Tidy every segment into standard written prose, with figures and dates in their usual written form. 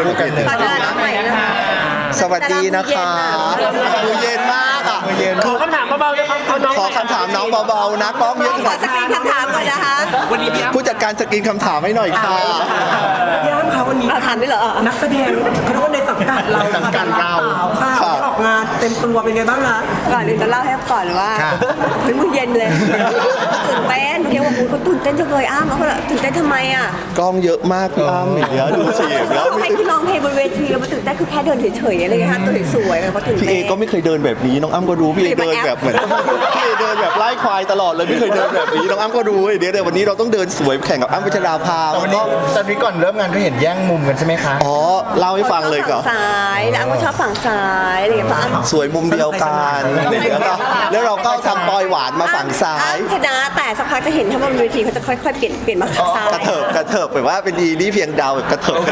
ฝากร้านใหม่นะคะสวัสดีนะคะมือเย็นมากอ่ะขอคำถามเบาๆนะครับขอคำถามน้องเบาๆนะกล้องเยอะขขอนาดสกรีนคำถามก่อนนะคะวันนี้พี่อ้ำผู้จัดการสกรีนคำถามให้หน่อยค่ะพี่อ้ำคะวันนี้เราถามได้เหรอนักแสดงเขาเรียกว่าในสังกัดเราในสังกัดเราค่ะค่ะออกงานเต็มตัวเป็นไงบ้างคะก่อนอื่นจะเล่าให้ก่อนว่าเฮ้ยมือเย็นเลยตื่นเต้นเมื่อกี้ว่าเขาตื่นเต้นจังเลยอ้าวแล้วเขาตื่นเต้นทำไมอ่ะกล้องเยอะมากพี่อ้ำอย่างเงี้ยดูสิแล้วให้คุณร้องเพลงบนเวทีแล้วมาตื่นเต้นคือแค่เดินเฉยๆอะไรเงี้ยค่ะตัวสวยๆเขาตื่นพี่เต้เอน ก็ไม่เคยเดินแบบนี้น้องอ้ำก็รู้พี่เอเดินแบบเหมือนพี่เอเดินแบบไล่ควายตลอดเลยไม่เคยเดินแบบนี้น้องอ้ำก็รู้เดี๋ยววันนี้เราต้องเดินสวยแข่งกับอ้ำพัชราภาแต่วันก็นี้ตอนนี้ก่อนเริ่มงานก็เห็นแย่งมุมกันใช่ไหมคะอ๋อเล่าให้ฟังเลยก่อนฝั่งซ้ายแล้วอ้ำก็ชอบฝั่งซ้ายอะไรอย่างเงี้ยเพราะอ้ำสวยมุมเดียวกันแล้วเราก็ทำปอยหวานมาฝั่งซ้ายชนะแต่สักพักจะเห็นถ้าบนเวทีเขาจะค่อยๆเปลี่ยนมาฝั่งซ้ายกระเถิบแบบว่าเป็นดีนี่เพียงดาวแบบกระเถิบ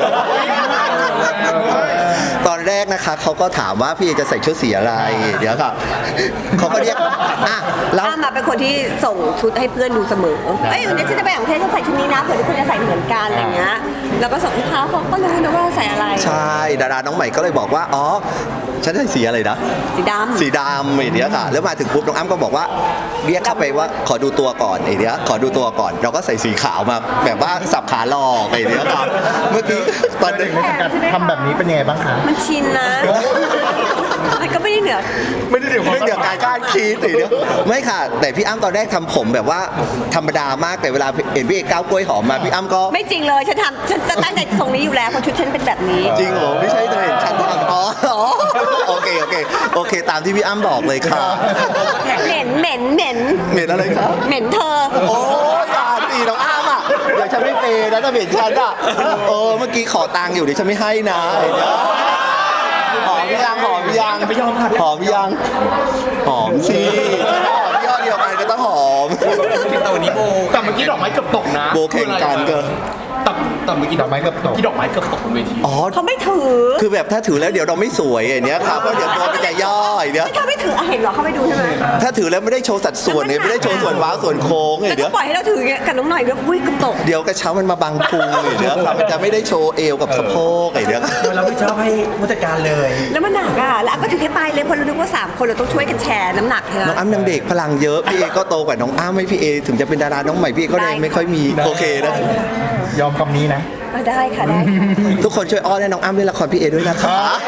ตอนแรกนะคะเขาก็ถามว่าพี่เอจะใส่ชุดสีอะไรเดี๋ยวค่ะเขาก็เรียกอ่ะแล้วอ้ำมาเป็นคนที่ส่งชุดให้เพื่อนดูเสมอเอ้ยวันนี้ฉันจะไปต่างประเทศฉันใส่ชุดนี้นะเผื่อทุกคนจะใส่เหมือนกันอะไรเงี้ยแล้วก็ส่งให้เขาก็รู้นะว่าใส่อะไรใช่ดาราน้องใหม่ก็เลยบอกว่าอ๋อฉันใส่สีอะไรนะสีดำสีดำไอ้เนี้ยค่ะแล้วมาถึงปุ๊บน้องอ้ำก็บอกว่าเรียกเข้าไปว่าขอดูตัวก่อนไอ้เนี้ยขอดูตัวก่อนเราก็ใส่สีขาวมาแบบว่าสับขาหลอกไอ้เนี้ยค่ะเมื่อกี้ตอนเด็กในสังกัดทำแบบนี้เป็นยังไงบ้างคะมันชินนะมันก็ไม่ได้เหนือไม่ได้เดี๋ยวการคาดคิดไอ้เนี้ยไม่ค่ะ แต่พี่อ้ำตอนแรกทำผมแบบว่าธรรมดามากแต่เวลาเห็นพี่เอกก้าวกล้วยหอมมาพี่อ้ำก็ไม่จริงเลยฉันจะตั้งใจทรงนี้อยู่แล้วเพราะชุดฉันเป็นแบบนี้จริงเหรอไม่ใช่เธอเห็นฉันทำอ๋อโอเคตามที่พี่อ้ำบอกเลยค่ะเหม็นเหม็นอะไรครับเหม็นเธอโอ้ยอย่าตีน้องอ้ำอ่ะเดี๋ยวฉันไม่เปย์นะถ้าเห็นฉันอ่ะเมื่อกี้ขอตังค์อยู่เดี๋ยวฉันไม่ให้นะไอ้เนี่ยหอมพี่ยังไม่ยอมค่ะหอมพี่ยังหอมสิหอมยอดเดียวกันก็ต้องหอมแต่วันนี้โบแต่เมื่อกี้ดอกไม้เกือบตกนะโบแข่งกันก็แต่เมื่อกี้ดอกไม้เกือบตกที่ดอกไม้เกือบตกบนเวทีอ๋อเขาไม่ถือคือแบบถ้าถือแล้วเดี๋ยวเราไม่สวยไอ้เนี้ยครับเพราะเดี๋ยวตัวมันจะย่อไอ้เนี้ยถ้าไม่ถือเห็นเหรอเขาไปดูใช่ไหมถ้าถือแล้วไม่ได้โชว์สัดส่วนเนี่ยไม่ได้โชว์ส่วนว้าวส่วนโค้งไอ้แล้วเนี้ก็ยปล่อยให้เราถือกับน้องหน่อยด้วยอุ้ยกระตกเดี๋ยวกระเช้ามันมาบังพุงไอ้เนี้ยครับมันจะไม่ได้โชว์เอวกับสะโพกไอ้เนี้ยเราไม่ชอบให้ผู้จัดการเลยแล้วมันหนักอ่ะแล้วก็ถือแค่ปลายเลยเพราะเราคิดว่า3 คนเราต้องช่วยกันแชร์น้ำหนักเธอน้องอ้ำยังเด็กพลังเยอะพี่เอก็โตกว่าน้องอ้ำให้พี่เอถึงจะเป็นดาราน้องใหม่พี่เอก็เลยไม่ค่อยมีโอเคนะยอมคำนี้นะได้ค่ะได้ค่ะทุกคนช่วยอ้อนให้น้องอ้ำเล่นละครพี่เอด้วยนะคะ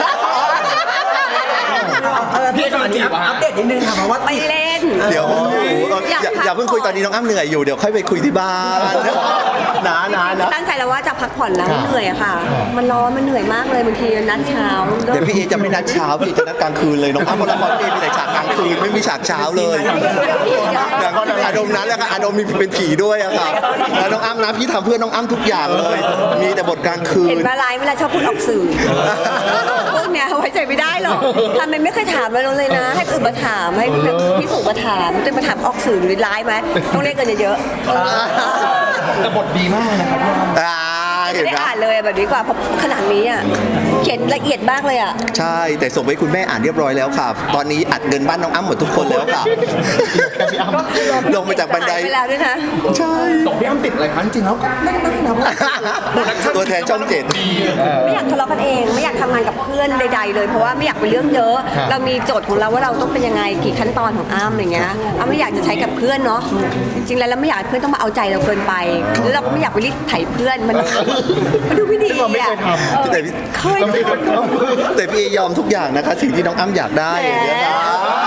พี่ตอนนี้อัปเดตนิดนึงค่ะเพราะว่าไปเล่นเดี๋ยวอย่าเพิ่งคุยตอนนี้น้องอ้ำเหนื่อยอยู่เดี๋ยวค่อยไปคุยที่บ้านนะตั้งใจแล้วว่าจะพักผ่อนแล้วเหนื่อยอะค่ะ มันร้อนมันเหนื่อยมากเลยบางทีนัดเช้าเดี๋ยวพี่เอจะไม่นัดเช้าพี่เอจะนัดกลางคืนเลยน้องอ้ำละครพี่เอมีแต่ฉากกลางคืนไม่มีฉากเช้าเลยอย่างอารมณ์นั้นแหละค่ะอารมณ์มีเป็นผีด้วยอะค่ะแล้วน้องอ้ำนะพี่ทำเพื่อน้องอ้ำทุกอย่างเลย มีแต่บทกลางคืนเห็นมาไลฟ์เวลาชอบพูดออกสื่อพวกเนี้ยไว้ใจไม่ได้หรอกทำไมไม่เคยถามเราเลยนะ ให้คนอื่นมาถามให้พี่สุมาถามจะมาถามออกสื่อหรือไลฟ์ไหมต้องเรียกเงินเยอะแต่บทดีมากนะครับพี่อ้ำๆเห็นไม่ได้ไหมอ่านเลยแบบนี้กว่าเพราะขนาดนี้อ่ะเขียนละเอียดมากเลยอ่ะใช่แต่ส่งไปคุณแม่อ่านเรียบร้อยแล้วค่ะตอนนี้อัดเงินบ้านน้องอ้ำหมดทุกคนแล้วค่ะลงมาจากบันไดหายไปแล้วด้วยนะใช่ตกพี่อ้ำติดอะไรคะจริงๆแล้วก็เล่นได้นะตัวแทนช่องเจ็ดไม่อยากทะเลาะกันเองไม่อยากทำงานกับเพื่อนใดๆเลยเพราะว่าไม่อยากเป็นเรื่องเยอะ เรามีโจทย์ของเราว่าเราต้องเป็นยังไงกี่ขั้นตอนของอ้ำอย่างเงี้ยอ้ำไม่อยากจะใช้กับเพื่อนเนาะจริงๆแล้วเราไม่อยากให้เพื่อนต้องมาเอาใจเราเกินไปแล้วเราก็ไม่อยากไปรีดไถเพื่อนมันดูไม่ดีซึ่งเราไม่อ่ะเคยทำแต่พี่เคยทำแต่พี่เอยอมทุกอย่างนะคะ สิ่งที่น้องอ้ำอยากได้อย่างเงี้ยนะ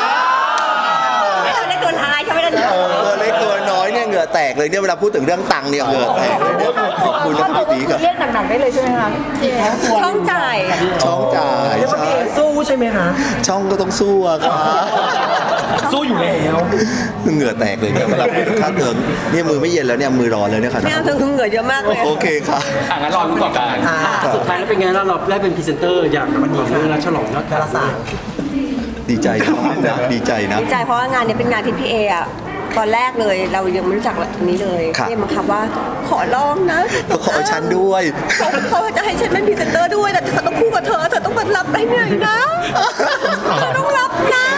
เราได้ตัวท้ายใช่ไหมล่ะตัวเล็กตัวน้อยเนี่ยเหงื่อแตกเลยเนี่ยเวลาพูดถึงเรื่องตังค์เนี่ยเหงื่อแตกเลยเนี่ยขอบคุณนะพี่ตีครับเรียกหนักๆได้เลยใช่ไหมคะช่องจ่ายช่องจ่ายเรียกว่าใช่พี่เอสู้ใช่ไหมคะช่องก็ต้องสู้อะค่ะสู้อยู่แล้วเหงื่อแตกเลยเนี่ยเวลาพูดถึงค่าเทอมเนี่ยมือไม่เย็นแล้วเนี่ยมือร้อนเลยเนี่ยค่ะไม่เอาเธอคือเหงื่อเยอะมากเลยโอเคค่ะงั้นรอรู้ก่อนกันสุดท้ายแล้วเป็นไงเราได้เป็นพรีเซนเตอร์อย่างวันนี้เรื่องฉลองยอดดาราศาสตร์ดีใจนะนะดีใจนะดีใจเพราะว่างานเนี้เป็นงานที่พี่เออะตอนแรกเลยเรายังไม่รู้จักแบบนี้เลยครับพี่บังคับว่าขอร้องนะก็ขอฉันด้วยเขาจะให้ฉันเป็นพรีเซนเตอร์ด้วยแต่เธอต้องคู่กับเธอต้องมารับให้เหนื่อยนะเธอต้องรับนะ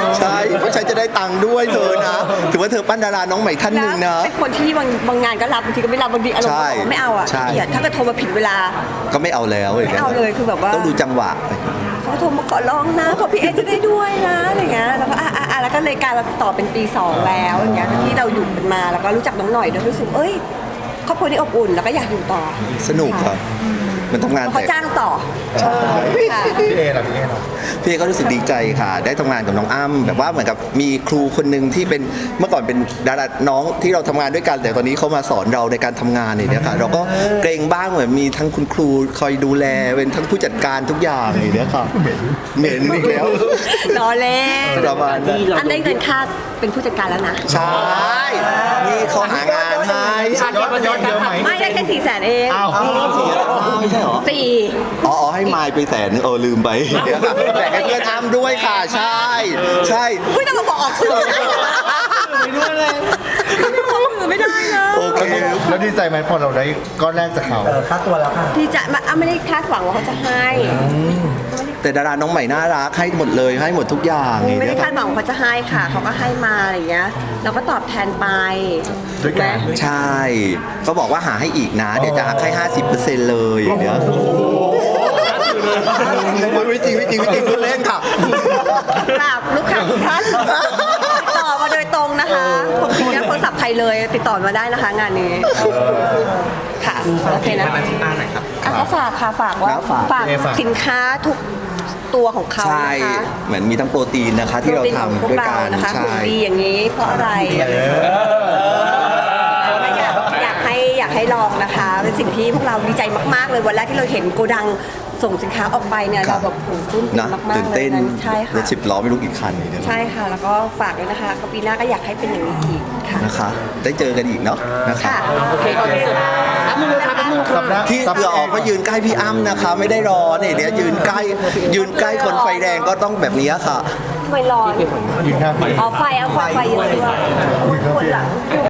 ใช่เพราะฉันจะได้ตังค์ด้วยเธอนะถือว่าเธอปั้นดาราน้องใหม่ท่านหนึ่งนะเป็นคนที่บางงานก็รับบางทีก็ไม่รับบางทีอารมณ์ใช่บอกว่าไม่เอาอ่ะใช่ขี้เกียจถ้าเกิดโทรมาผิดเวลาก็ไม่เอาแล้วไม่เอาเลยคือแบบว่าต้องดูจังหวะเขาโทรมาขอร้องนะขอพี่เอจะได้ด้วยนะอะไรเงี้ยแล้วก็แล้วก็เลยกลายมาต่อเป็นปี 2 แล้วอย่างเงี้ยที่เราอยู่กันมาแล้วก็รู้จักน้องหน่อยด้วยรู้สึกครอบครัวนี้อบอุ่นแล้วก็อยากอยู่ต่อสนุกครับมันทำงานเพราะเขาจ้างต่อค่ะพี่เอล่ะพี่เอล่ะพี่เอก็รู้สึกดีใจค่ะ ได้ทำงานกับน้องอ้ำแบบว่าเหมือนกับมีครูคนหนึ่งที่เป็นเมื่อก่อนเป็นดาราน้องที่เราทำงานด้วยกันแต่ตอนนี้เขามาสอนเราในการทำงานเนี่ยค่ะเราก็เกรงบ้างเหมือนมีทั้งคุณครูคอยดูแลเป็นทั้งผู้จัดการทุกอย่างอย่างเนี้ยค่ะเหม็นอีกแล้วรอเล่นประมาณนั้นอันได้เงินค่าเป็นผู้จัดการแล้วนะใช่นี่เขาหางานให้ยอดเยอะไหมไม่ได้แค่400,000เองอ้าวไม่ใช่เหรอ 4 อ๋อให้มายไป100,000ลืมไปเดี๋ยวค่ะแบ่งให้เพื่อนอ้ำด้วยค่ะใช่ใช่ไม่ต้องมาบอกออกสื่อนะไม่ด้วยเลยไม่บอกสื่อไม่ได้นะโอเคแล้วดีใจไหมพอเราได้ก้อนแรกจากเขาค่าตัวแล้วค่ะดีใจไม่ได้คาดหวังว่าเขาจะให้แต่ดาราน้องใหม่น่ารักให้หมดเลยให้หมดทุกอย่างไม่ได้เนี่ยคาดหวังว่าเขาจะให้ค่ะเขาก็ให้มาอะไรอย่างเงี้ยเราก็ตอบแทนไปถูกไหมใช่เขาบอกว่าหาให้อีกนะ เดี๋ยวจะหักให้ 50%เลยอย่างเงี้ยไม่จริงพูดเล่นค่ะกราบลูกค้าทุกท่านติดต่อมาโดยตรงนะคะผมติดโทรศัพท์ใครเลยติดต่อมาได้นะคะงานนี้ค่ะโอเคนะก็ฝากค่ะฝากว่าครับฝากฝากสินค้าทุกตัวของเขาใช่นะคะเหมือนมีทั้งโปรตีนนะคะที่เราโปตีนของพวทำด้วยเรากันนะคะใช่หุ่นดีอย่างนี้เพราะอะไรอยากให้ลองนะคะ เป็นสิ่งที่พวกเราดีใจมากๆเลยวันแรกที่เราเห็นโกดังส่งสินค้าออกไปเนี่ยเราแบบโอ้โหปลื้มปิ่นะมมากตื่นๆเลเต้ยนนั้นใช่รค่ะถ10 ล้อไม่รู้กี่คันเนี่ยใช่ค่ะ แล้วก็ฝากด้วยนะคะก็ปีหน้าก็อยากให้เป็นอย่างนี้อีกค่ะนะคะ ได้เจอกันอีกเนาะนะคะค่ะโอเคขอบคุณค่ะที่เผื่อออกก็ยืนใกล้พี่อ้ำนะคะ ไม่ได้รอเนี่ยเดี๋ยวยืนใกล้คนไฟแดงก็ต้องแบบนี้ค่ะไม่ร้อนยืนข้างไฟเอาไฟเยอะด้วยปวดหลัง